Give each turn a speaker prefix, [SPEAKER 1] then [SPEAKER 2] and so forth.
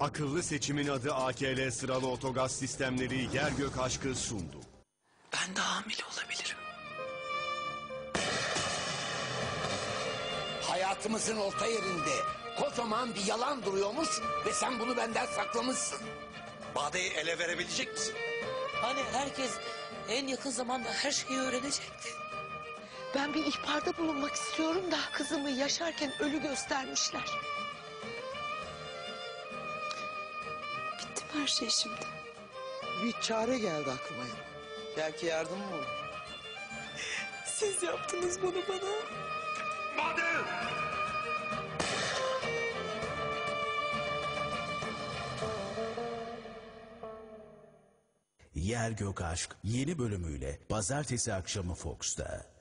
[SPEAKER 1] Akıllı seçimin adı AKL sıralı otogaz sistemleri yer gök aşkı sundu.
[SPEAKER 2] Ben de hamile olabilirim.
[SPEAKER 3] Hayatımızın orta yerinde kocaman bir yalan duruyormuş ve sen bunu benden saklamışsın.
[SPEAKER 4] Bade'yi ele verebilecek misin?
[SPEAKER 2] Hani herkes en yakın zamanda her şeyi öğrenecekti.
[SPEAKER 5] Ben bir ihbarda bulunmak istiyorum da kızımı yaşarken ölü göstermişler.
[SPEAKER 2] Bitti mi her şey şimdi?
[SPEAKER 6] Bir çare geldi aklıma. Belki yardımım olur.
[SPEAKER 2] Siz yaptınız bunu bana.
[SPEAKER 4] Bade!
[SPEAKER 7] Yer Gök Aşk yeni bölümüyle pazartesi akşamı Fox'ta.